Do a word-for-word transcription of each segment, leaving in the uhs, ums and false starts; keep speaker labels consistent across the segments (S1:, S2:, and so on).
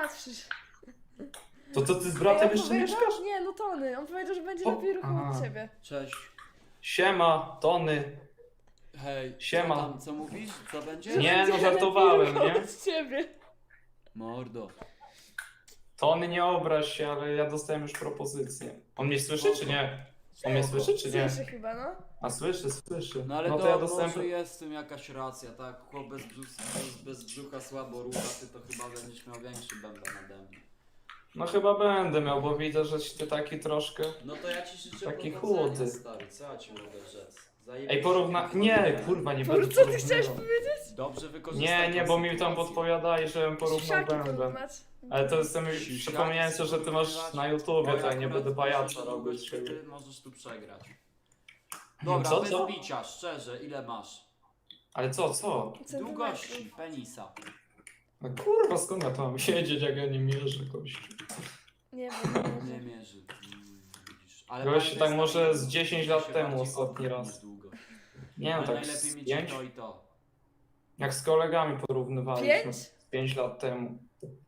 S1: patrzysz.
S2: To co, ty z
S1: Ej,
S2: bratem
S1: on
S2: jeszcze
S1: powiedział-
S2: mieszkasz?
S1: Nie, no Tony. On powiedział, że będzie
S2: O,
S1: lepiej ruchu
S2: aha.
S1: od ciebie.
S3: Cześć.
S2: Siema, Tony.
S3: Hej,
S2: Siema.
S3: co tam, co mówisz? Co będzie?
S1: Że
S2: Nie,
S1: będzie
S2: no żartowałem,
S1: lepiej ruchu
S2: nie?
S1: od ciebie.
S3: Mordo.
S2: Tony, nie obraź się, ale ja dostałem już propozycję. On mnie słyszy, czy nie? On mnie
S3: Spoko.
S2: słyszy, czy nie?
S1: Słyszy chyba, no.
S2: A słyszy, słyszy.
S3: No ale
S2: no
S3: to,
S2: to ja dostałem...
S3: może jest w tym jakaś racja, tak? Chłop bez, brzuch, bez, bez brzucha słabo rucha, ty to chyba będziesz miał większy bęben nade mnie.
S2: No chyba będę miał, bo widzę, że ty taki troszkę...
S3: No to ja ci życzę
S2: Taki
S3: powodzenia,
S2: chudy.
S3: stary, co ja ci mogę rzec?
S2: Ej, porówna... Nie, kurwa, nie
S1: Po,
S2: będę
S1: co ty chciałeś
S2: porównywał.
S1: powiedzieć?
S3: Dobrze wykorzystać
S2: Nie, nie,
S3: tą
S2: bo mi tam
S3: sytuację.
S2: podpowiadali, żebym porównał
S1: Siusiaki
S2: bęben.
S1: porównać.
S2: Ale to jestem...
S3: Siusiaki
S2: Przypomniałem sobie, że ty masz
S3: porównywać.
S2: na YouTubie,
S3: Bo
S2: to ja nie
S3: akurat
S2: będę
S3: myślę,
S2: pajaca
S3: że
S2: robić.
S3: długość chwyty możesz tu przegrać.
S2: No
S3: Dobra,
S2: co,
S3: bez
S2: co?
S3: bicia, szczerze, ile masz?
S2: Ale co, co?
S3: Długości penisa.
S2: No kurwa, skąd ja tu mam siedzieć, jak ja nie mierzę kości?
S1: Nie wiem,
S3: Nie
S1: nie
S3: mierzy. Mm, widzisz. Ale
S2: Gość
S3: pamiętaj,
S2: tak może
S3: stary,
S2: z dziesięć
S3: się
S2: lat temu
S3: bardziej
S2: ostatni
S3: odwróć
S2: raz.
S3: niż długo.
S2: Nie no,
S3: Ale
S2: tak
S3: najlepiej
S2: z
S3: mieć
S2: pięć?
S3: i to i to.
S2: Jak z kolegami porównywaliśmy.
S1: Pięć?
S2: Pięć lat temu.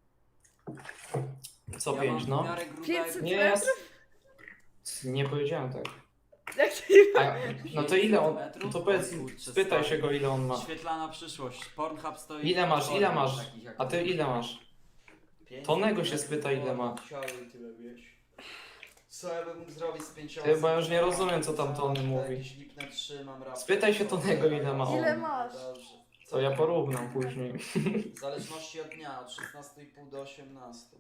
S2: Co
S3: Ja
S2: pięć,
S3: mam
S2: no?
S3: w miarę grubego-
S1: pięćset
S2: Nie, ja... Nie powiedziałem tak.
S1: Jak to nie
S2: A, no to ile on...
S3: metrów?
S2: To powiedz,
S3: O kurczę,
S2: spytaj
S3: stary.
S2: się go, ile on ma.
S3: Świetlana przyszłość. Pornhub stoi...
S2: Ile masz, ile masz?
S3: Takich jak
S2: A ty ile masz?
S3: pięć
S2: Tonego się
S3: metrów,
S2: spyta, ile ma.
S3: chciałbym tyle mieć. Co ja bym mógł zrobić z pięcioma?
S2: Ty, bo ja już nie rozumiem, co tam Tony mówi.
S3: Jakieś lipne trzy mam raptem.
S2: Spytaj się Tonego, ile ma on.
S1: Ile masz?
S3: Dobrze.
S2: To ja porównam później.
S3: W zależności od dnia, od szesnastu i pół do osiemnastu.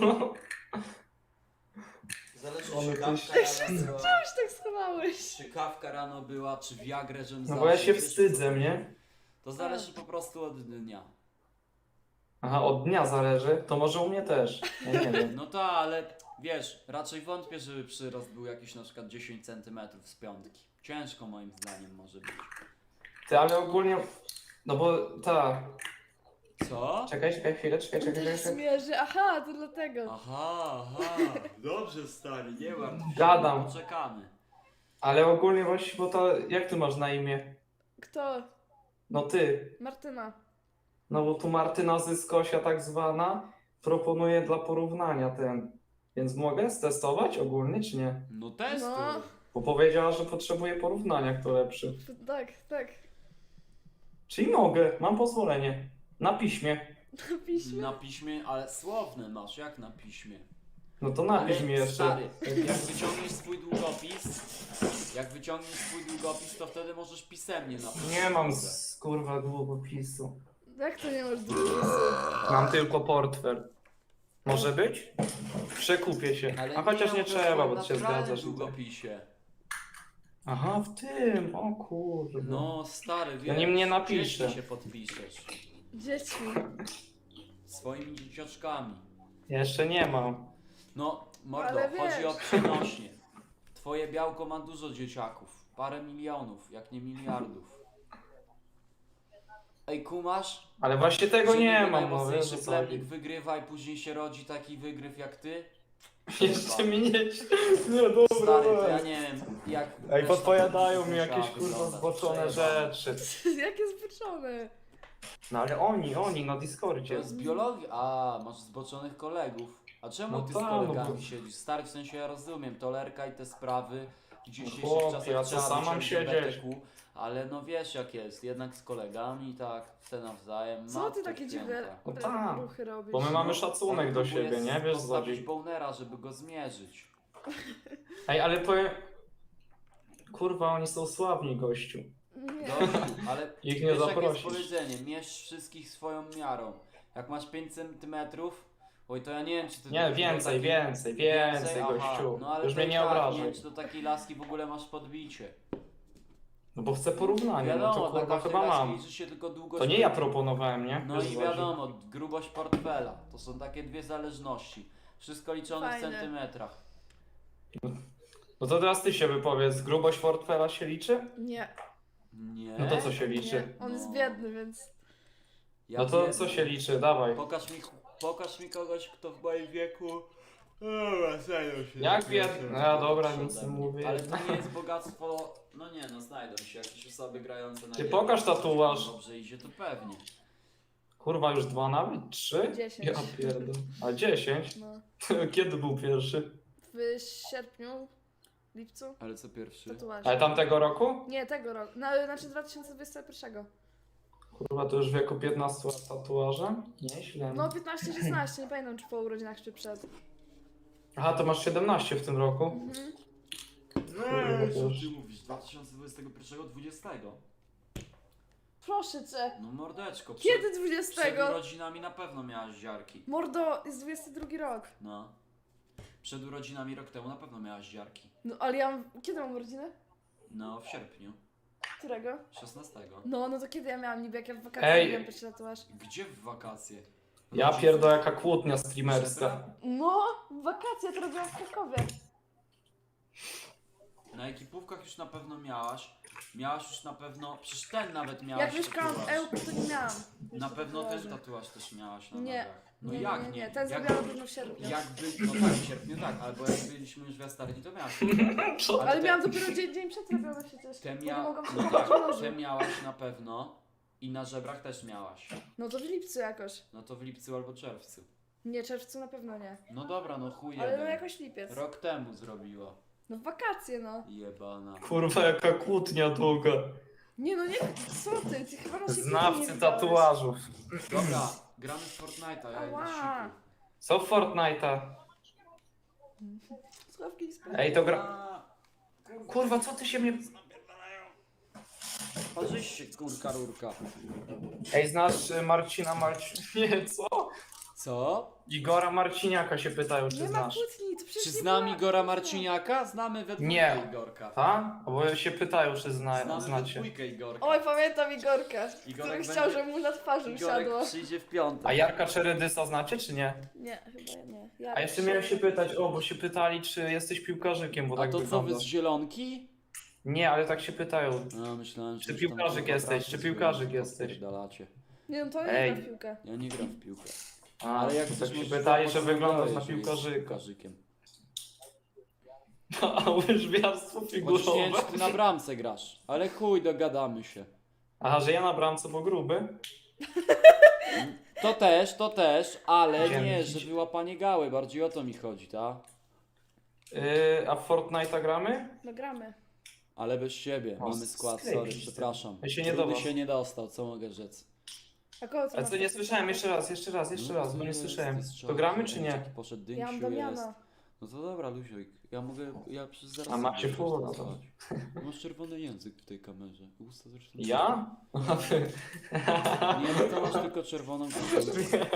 S3: Zależy
S2: One
S3: czy
S2: to
S3: kawka
S2: jest-
S3: rano była,
S1: Już tak schowałeś.
S3: czy kawka rano była, czy Viagrę, żem
S2: No bo ja
S3: zawsze,
S2: się
S3: wiesz,
S2: wstydzę, nie?
S3: To zależy po prostu od dnia.
S2: Aha, od dnia zależy, to może u mnie też. Ja nie wiem.
S3: No tak, ale wiesz, raczej wątpię, żeby przyrost był jakiś na przykład dziesięć centymetrów z piątki. Ciężko moim zdaniem może być.
S2: Ty, ale ogólnie... No bo ta...
S3: Co?
S2: Czekaj, czekaj chwilę, czekaj, czekaj, czekaj. czekaj.
S1: Zmierzy, aha, to dlatego.
S3: Aha, aha. Dobrze stary, nie martw się.
S2: Gadam.
S3: Poczekamy.
S2: Ale ogólnie właśnie, bo to... Jak ty masz na imię?
S1: Kto?
S2: No ty.
S1: Martyna.
S2: No bo tu Martyna Zyskosia tak zwana proponuje dla porównania ten. Więc mogę stestować ogólnie, czy nie?
S3: No testuj.
S1: No.
S2: Bo powiedziała, że potrzebuje porównania, kto lepszy.
S1: Tak, tak.
S2: Czyli mogę, mam pozwolenie. Na piśmie.
S1: Na piśmie.
S3: Na piśmie, ale słowne masz, jak na piśmie?
S2: No to napisz
S3: Ale
S2: mi jeszcze.
S3: stary, jak wyciągniesz swój długopis, jak wyciągniesz swój długopis, to wtedy możesz pisemnie napisać.
S2: Nie mam z kurwa długopisu.
S1: Jak to nie masz długopisu?
S2: Mam tylko portfel. Może być? Przekupię się.
S3: Ale
S2: A chociaż nie
S3: to
S2: trzeba,
S3: w
S2: bo ty się
S3: naturalnym
S2: zgadzasz. i tak.
S3: długopisie.
S2: Aha, w tym, o kurwa.
S3: No stary, wiesz,
S2: Ja nim nie napiszę.
S3: dziećmi się podpiszesz.
S1: Dziećmi.
S3: Swoimi dzieciaczkami.
S2: Jeszcze nie mam.
S3: No, mordo,
S1: Ale
S3: chodzi
S1: wiesz.
S3: o przenośnie. Twoje białko ma dużo dzieciaków. Parę milionów, jak nie miliardów. Ej, kumasz?
S2: Ale właśnie tego
S3: Że
S2: nie
S3: niby
S2: mam, no
S3: najmocniejszy
S2: wiesz o co
S3: plemnik
S2: chodzi.
S3: wygrywa i później się rodzi taki wygryw jak ty?
S2: Jeszcze mi nie... Nie, dobra,
S3: Stary, to ja
S2: weź.
S3: nie wiem, jak...
S2: Ej,
S3: reszta
S2: podpowiadają mi
S3: musiała
S2: jakieś kurwa
S3: wyglądać.
S2: zboczone
S3: Przejebane.
S2: rzeczy.
S1: Jakie zboczone.
S2: No ale oni, oni na
S3: To
S2: Discordzie.
S3: jest biologia. A, masz zboczonych kolegów. A czemu
S2: No
S3: ty z
S2: tak, no
S3: kolegami
S2: bo-
S3: siedzisz? Stary, w sensie ja rozumiem, tolerka i te sprawy w dzisiejszych
S2: chłopie,
S3: czasach
S2: a co,
S3: trzeba
S2: sam
S3: być
S2: mam
S3: L G B T Q,
S2: siedzieć?
S3: ale no wiesz jak jest, jednak z kolegami, tak, te nawzajem.
S1: Co
S3: Matko
S1: ty takie
S3: święta.
S1: dziwne
S2: No tak,
S1: ruchy robisz?
S2: Bo my mamy
S3: No,
S2: szacunek
S3: on
S2: do
S3: próbuje
S2: siebie, nie? Wiesz,
S3: postawić
S2: Zodzi.
S3: bonera, żeby go zmierzyć.
S2: Ej, ale powiem... Kurwa, oni są sławni, gościu.
S1: Nie.
S3: Dobrze, ale
S2: Ich nie
S3: wiesz, jakie jest
S2: zaprosisz.
S3: powiedzenie, mierz wszystkich swoją miarą. Jak masz pięć centymetrów, oj to ja nie wiem czy ty...
S2: Nie, więcej, więcej, więcej,
S3: Aha,
S2: gościu.
S3: no ale
S2: Już
S3: to
S2: mnie
S3: i
S2: nie
S3: tak,
S2: obrażaj.
S3: Nie wiem, czy do takiej laski w ogóle masz podbicie.
S2: No bo chcę porównania, no
S3: Wiadomo,
S2: to
S3: dla
S2: kurwa
S3: każdej
S2: chyba
S3: laski
S2: mam.
S3: liczy się tylko długość...
S2: To nie ja proponowałem, nie?
S3: No
S2: Wiesz,
S3: i
S2: Zodzi.
S3: wiadomo, grubość portfela. To są takie dwie zależności. Wszystko liczone
S1: Fajne.
S3: w centymetrach.
S2: No to teraz ty się wypowiedz, grubość portfela się liczy?
S1: Nie.
S3: Nie?
S2: No to co się liczy?
S1: Nie. On jest
S3: No.
S1: biedny, więc...
S3: Ja
S2: No to
S3: biedny.
S2: co się liczy, dawaj.
S3: Pokaż mi, pokaż mi kogoś, kto w moim wieku... Dobra, znajdą się.
S2: Jak biedny? No ja dobra,
S3: Ode
S2: nic nie
S3: mnie.
S2: mówię.
S3: Ale to nie jest bogactwo... No nie no, znajdą się jakieś osoby grające na
S2: Ty
S3: giełdzie.
S2: pokaż tatuaż.
S3: Dobrze idzie, to pewnie.
S2: Kurwa, już dwa nawet? Trzy?
S1: Dziesięć.
S2: Ja pierdolę. A dziesięć?
S1: No.
S2: Kiedy był pierwszy?
S1: W sierpniu, lipcu,
S3: Ale co pierwszy?
S1: tatuaż.
S2: Ale tamtego roku?
S1: Nie, tego roku. No, znaczy dwa tysiące dwudziestego pierwszego.
S2: Kurwa, to już w wieku piętnastu lat tatuaża? Nieźle.
S1: No piętnaście szesnaście, nie pamiętam czy po urodzinach czy przed.
S2: Aha, to masz siedemnaście w tym roku?
S1: Mhm.
S3: No,
S2: to
S3: co
S2: już-
S3: ty mówisz? dwa tysiące dwudziestego pierwszego, dwudziestego.
S1: Proszę cię.
S3: No mordeczko, przed,
S1: Kiedy
S3: przed
S1: dwudziestego?
S3: urodzinami na pewno miałaś ziarki.
S1: Mordo, jest dwudziesty drugi rok.
S3: No. Przed urodzinami rok temu na pewno miałaś ziarki.
S1: No ale ja mam... Kiedy mam urodziny?
S3: No, w sierpniu.
S1: Którego?
S3: szesnastego.
S1: No, no to kiedy ja miałam niby, jak ja w wakacje
S2: Ej.
S1: robiłam pierwszy tatuaż?
S3: Gdzie w wakacje?
S2: Ja pierdolę, jaka kłótnia streamerska.
S3: Żebra?
S1: No, w wakacje to robiłam w Krakowie.
S3: Na ekipówkach już na pewno miałaś. Miałaś już na pewno. Przecież ten nawet miałaś.
S1: Jak mieszkałam w
S3: tatuaż.
S1: Ełku, to nie miałam.
S3: Na pewno ten
S1: tatuaży.
S3: tatuaż też miałaś na
S1: Nie.
S3: nogach. No
S1: nie,
S3: jak
S1: nie,
S3: nie?
S1: nie, ten
S3: jak,
S1: zrobiłam na pewno w sierpniu.
S3: jakby. No tak, w sierpniu tak, albo jak byliśmy już w Jastarni, to miałaś.
S2: Co?
S1: Ale
S3: te-
S1: miałam dopiero dzień, dzień przed robione przecież.
S3: Te
S1: bo nie
S3: mia...
S1: mogłam
S3: No
S1: się
S3: tak,
S1: tak,
S3: te miałaś na pewno. I na żebrach też miałaś.
S1: No to w lipcu jakoś.
S3: No to w lipcu albo czerwcu.
S1: Nie, czerwcu na pewno nie.
S3: No dobra, no chuj
S1: Ale no
S3: jeden.
S1: jakoś lipiec.
S3: Rok temu zrobiła.
S1: No w wakacje no.
S3: Jebana.
S2: Kurwa, jaka kłótnia długa.
S1: Nie no nie, co ty, ty chyba nas
S2: Znawcy tatuażów.
S3: Dobra, gramy w Fortnite'a, ja idę
S1: Ała.
S3: siku.
S2: Co w Fortnite'a?
S1: Sławki z
S2: Ej, to gra...
S3: A,
S2: Kurwa, co ty się mnie...
S3: Parzyś się, kurka rurka.
S2: Ej, znasz y, Marcina Marcin... Nie, co?
S3: Co?
S2: Igora Marciniaka się pytają, czy
S1: Nie ma
S2: znasz.
S1: kłótni, to przecież
S3: Czy
S1: nie
S3: znam
S1: była-
S3: Igora Marciniaka? Znamy we dwójkę
S2: Nie.
S3: Igorka.
S2: Ta? Bo się pytają, czy zna,
S3: Znamy we
S2: znacie.
S3: dwójkę Igorka.
S1: Oj, pamiętam Igorka, który
S3: Igorek
S1: chciał,
S3: będzie-
S1: żeby mu na twarzy
S3: Igorek
S1: usiadło.
S3: przyjdzie w piątek.
S2: A Jarka Czeredysa znacie, czy nie?
S1: Nie, chyba nie. Ja
S2: A jeszcze miałem się pytać, o, bo się pytali, czy jesteś piłkarzykiem, bo
S3: A
S2: tak
S3: to co, wy z
S2: wyglądasz.
S3: Zielonki?
S2: Nie, ale tak się pytają.
S3: No, myślałem, że
S1: Czy
S3: już tam
S2: piłkarzyk
S3: kurwa
S2: jesteś,
S3: pracę
S2: czy
S3: swoją
S2: piłkarzyk jesteś?
S3: popierdalacie.
S1: Nie no to
S2: Ej.
S1: nie gra w piłkę.
S3: Ja nie gram w piłkę.
S2: A,
S3: Ale jak
S2: to
S3: ktoś
S2: tak się
S3: może
S2: pytali, że
S3: zobaczyć,
S2: wyglądasz
S3: to
S2: na
S3: jest, że jest
S2: piłkarzyka.
S3: piłkarzykiem.
S2: A łyżwiarstwo
S3: Chociaż nie wiem,
S2: figurowe.
S3: czy ty na bramce grasz. Ale chuj, dogadamy się.
S2: Aha, że ja na bramce, bo gruby?
S3: To też, to też, ale
S2: Dzięki.
S3: nie, że wyłapanie gały, bardziej o to mi chodzi, tak?
S2: Yy, a w Fortnite'a gramy?
S1: No gramy.
S3: Ale bez siebie,
S2: O,
S3: mamy skład,
S2: sklepik
S3: sorry,
S2: się-
S3: przepraszam.
S2: Ja się nie
S3: Rudy
S2: dowam.
S3: się nie dostał, co mogę rzec?
S1: A kogo ty
S2: A
S1: masz
S2: co, nie
S1: na
S2: słyszałem,
S1: piłce?
S2: jeszcze raz, jeszcze raz, jeszcze
S3: No,
S2: raz,
S3: to
S2: bo nie
S3: jest,
S2: słyszałem.
S3: jest
S2: To
S3: szok,
S2: gramy,
S3: że
S2: czy nie?
S3: jaki Poszedł
S1: Ja mam
S3: Dynksiu jest.
S1: Damiana.
S3: No to dobra, Luzioj, ja mogę, ja przez zaraz...
S2: A macie
S3: sobie
S2: full,
S3: coś
S2: no to-
S3: dostać. Masz czerwony język w tej kamerze, usta zresztą...
S2: Ja?
S3: Nie, no to masz tylko czerwoną koszulkę.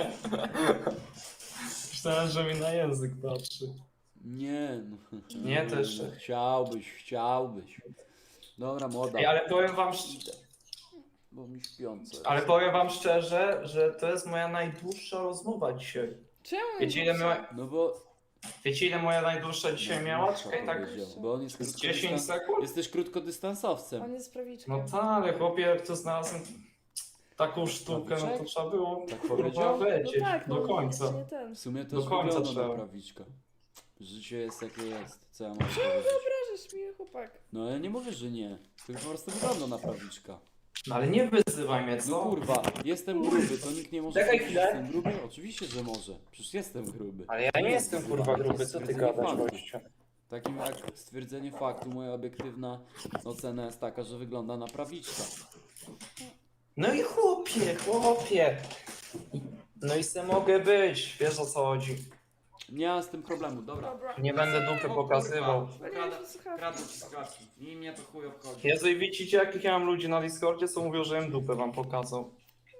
S2: Myślałem, że mi na język patrzy.
S3: Nie, no.
S2: Nie, to jeszcze-
S3: no, Chciałbyś, chciałbyś. Dobra, młoda.
S2: Ej, ale powiem wam, szcz-
S3: Bo mi śpiące.
S2: ale powiem wam szczerze, że to jest moja najdłuższa rozmowa dzisiaj.
S1: Czemu?
S2: Wiecie ile, miała,
S3: No bo...
S2: wiecie ile moja najdłuższa dzisiaj miała?
S3: Co
S2: Czekaj, tak
S3: powiedział? Bo on jest
S2: z
S3: krótko
S2: dziesięć sekund?
S3: Jesteś krótkodystansowcem.
S1: On jest prawiczką.
S2: No tak, ale chłopie, jak to znalazłem taką sztukę, no to
S3: Prawiczek?
S2: trzeba było
S3: Tak
S2: kurwa
S3: powiedział?
S1: No
S2: lecieć
S1: tak,
S2: do
S1: no,
S2: końca.
S1: Nie ten.
S3: W sumie też
S2: Do końca
S3: wygląda
S2: trzeba.
S3: na prawiczka. Życie jest jakie jest. Co ja mogę powiedzieć?
S1: Obrażasz mnie, chłopak.
S3: No ale nie mówię, że nie. Tylko po prostu wygląda na prawiczka.
S2: No ale nie wyzywaj mnie,
S3: No
S2: co?
S3: kurwa, jestem gruby, to nikt nie może
S2: Czekaj
S3: powiedzieć, że
S2: chwilę.
S3: jestem gruby? Oczywiście, że może. Przecież jestem gruby.
S2: Ale ja nie jestem kurwa
S3: To
S2: gruby,
S3: jest
S2: co ty
S3: stwierdzenie
S2: gadasz
S3: faktu.
S2: gościu?
S3: Takim jak stwierdzenie faktu, moja obiektywna ocena jest taka, że wygląda na prawiczka.
S2: No i chłopie, chłopie. No i se mogę być, wiesz o co chodzi.
S3: Nie mam z tym problemu, dobra.
S1: Dobra.
S2: Nie będę dupy pokazywał.
S1: Zwaliłem się słuchawki.
S3: Kradł ci skrawki. I mnie to chuj obchodzi.
S2: Jezu, i widzicie jakich ja mam ludzi na Discordzie, co mówią, że im dupę wam pokazał.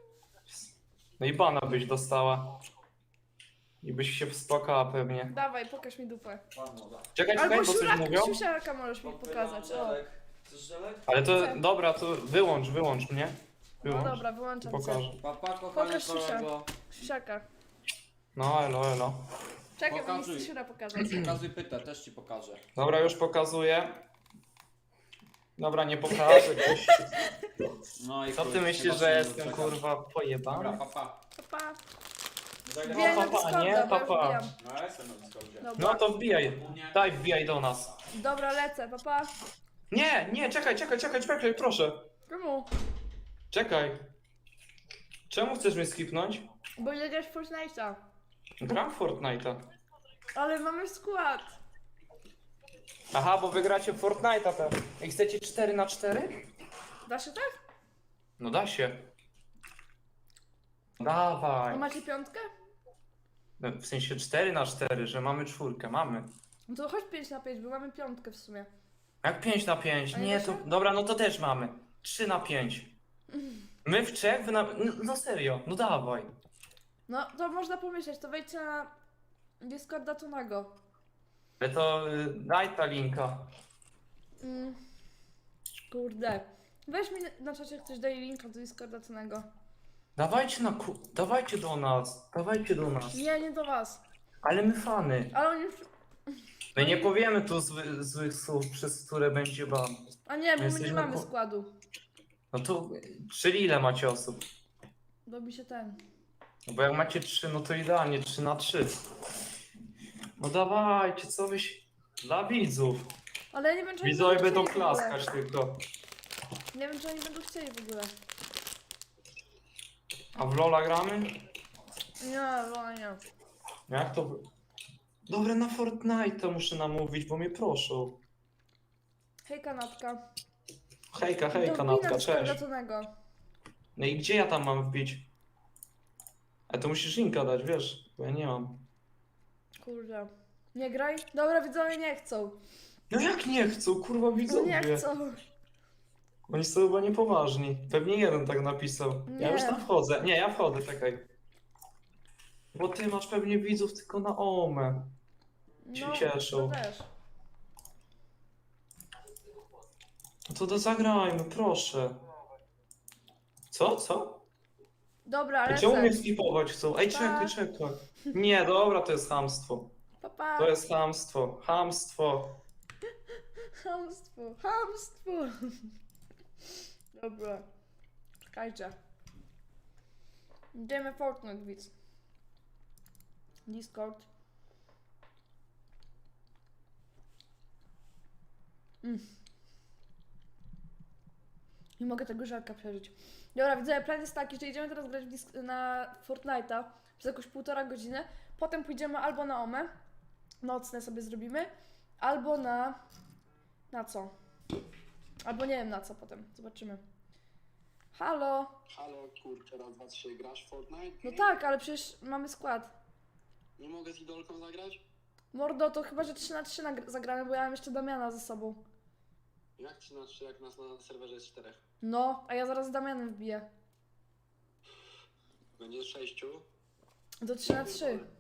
S2: No i bana byś dostała. I byś się wspłakała pewnie.
S1: Dawaj, pokaż mi dupę.
S3: Pan moda.
S2: Czekaj, czekaj,
S1: Albo
S2: bo coś
S1: siurak,
S2: mówią.
S1: siusiaka możesz mi pokazać. O.
S3: Chcesz żelek?
S2: Ale to, dobra, to wyłącz, wyłącz mnie.
S1: No
S2: Wyłącz.
S1: dobra, wyłączam cię.
S2: Pokażę.
S3: Papa, kochany
S1: Pokaż siusia.
S3: kolego.
S1: Siusiaka.
S2: No, elo, elo.
S1: Czekaj, bo mi
S3: Pokazuj.
S1: chce siura pokazać.
S3: Pokazuj pytę, też ci pokażę.
S2: Dobra, już pokazuję. Dobra, nie pokażę. gościu.
S3: No i
S2: Co
S3: chuj,
S2: ty
S3: chyba
S2: myślisz,
S3: się
S2: że
S3: nie
S2: jestem
S3: doczekam.
S2: kurwa
S3: Dobra,
S2: pojebany?
S3: papa.
S1: Pa.
S3: Zajdę-
S1: Wbijaj na
S2: papa,
S1: Discorda,
S2: nie?
S1: bo ja
S2: Papa.
S1: wbijam.
S3: No ja jestem na Discordzie.
S2: No
S1: Dobra.
S2: to wbijaj. Daj, wbijaj do nas.
S1: Dobra, lecę, papa.
S2: Nie, nie, czekaj, czekaj, czekaj, czekaj, proszę.
S1: Czemu?
S2: Czekaj. Czemu chcesz mnie skipnąć?
S1: Bo ile grasz w Fortnite'a?
S2: Gram w Fortnite'a.
S1: Ale mamy skład.
S2: Aha, bo wygracie w Fortnite'a teraz. I chcecie cztery na cztery?
S1: Da się tak?
S2: No da się.
S1: A
S2: Dawaj.
S1: macie piątkę?
S2: No, w sensie cztery na cztery, że mamy czwórkę, mamy.
S1: No to chodź pięć na pięć, bo mamy piątkę w sumie.
S2: Jak pięć na pięć?
S1: A nie
S2: Nie,
S1: da
S2: to...
S1: się?
S2: Dobra, no to też mamy. trzy na pięć. My w trzech, wy na... No, no serio, no dawaj.
S1: No to można pomyśleć, to wejdźcie na Discorda Tonego.
S2: Ale to y, daj ta linka.
S1: Mm. Kurde. Weź mi na czacie ktoś daje linka do Discorda Tonego.
S2: Dawajcie na ku... Dawajcie do nas. Dawajcie do nas.
S1: Nie, nie do was.
S2: Ale my fany.
S1: Ale oni już...
S2: My nie powiemy tu zły, złych słów, przez które będzie ban.
S1: A nie, bo my nie
S2: Jesteśmy
S1: mamy
S2: po-
S1: składu.
S2: No to, czyli ile macie osób?
S1: Robi się ten.
S2: No bo jak macie trzy, no to idealnie, trzy na trzy. No dawajcie, co byś... Dla widzów.
S1: Ale ja nie wiem, czy oni
S2: Widzowie będą
S1: chcieli w ogóle.
S2: klaskać tylko.
S1: Nie wiem, czy oni będą chcieli w ogóle.
S2: A w Lola gramy?
S1: Nie, no nie.
S2: Jak to... Dobra, na Fortnite muszę namówić, bo mnie proszą.
S1: Hej, kanapka.
S2: Hejka, hejka,
S1: To
S2: Natka,
S1: wbij na
S2: cześć.
S1: Discorda Tonego.
S2: No i gdzie ja tam mam wbić? A to musisz linka dać, wiesz, bo ja nie mam.
S1: Kurde. Nie graj? Dobra, widzowie nie chcą.
S2: No jak nie chcą, kurwa
S1: No nie
S2: widzowie.
S1: chcą.
S2: Oni są chyba niepoważni. Pewnie jeden tak napisał. Ja
S1: Nie.
S2: już tam wchodzę. Nie, ja wchodzę, czekaj. Bo ty masz pewnie widzów tylko na Omę. Się
S1: No,
S2: cieszą.
S1: to też.
S2: No to do zagrajmy, proszę. Co, co?
S1: Dobra,
S2: A
S1: ale
S2: czemu mnie
S1: sen.
S2: skipować chcą? Ej,
S1: Pa.
S2: czekaj, czekaj. Nie, dobra, to jest chamstwo.
S1: Pa, pa.
S2: To jest chamstwo. Chamstwo.
S1: Chamstwo, chamstwo. Dobra. Czekajcie. Idziemy Fortnite, widz. Discord. Mm. Nie mogę tego żarka przeżyć. Dobra, widzę, plan jest taki, że idziemy teraz grać w disk- na Fortnite'a przez jakąś półtora godziny. Potem pójdziemy albo na Omę, nocne sobie zrobimy, albo na... Na co? Albo nie wiem na co potem, zobaczymy. Halo?
S4: Halo, kurczę, raz, dwa, trzy, grasz w Fortnite?
S1: No tak, ale przecież mamy skład.
S4: Nie mogę z idolką zagrać?
S1: Mordo, to chyba, że trzy na trzy nagr- zagramy, bo ja mam jeszcze Damiana ze sobą.
S4: Jak trzy na trzy, jak nas na serwerze jest czterech?
S1: No, a ja zaraz z Damianem wbiję.
S4: Będzie sześciu?
S1: Do trzy na trzy.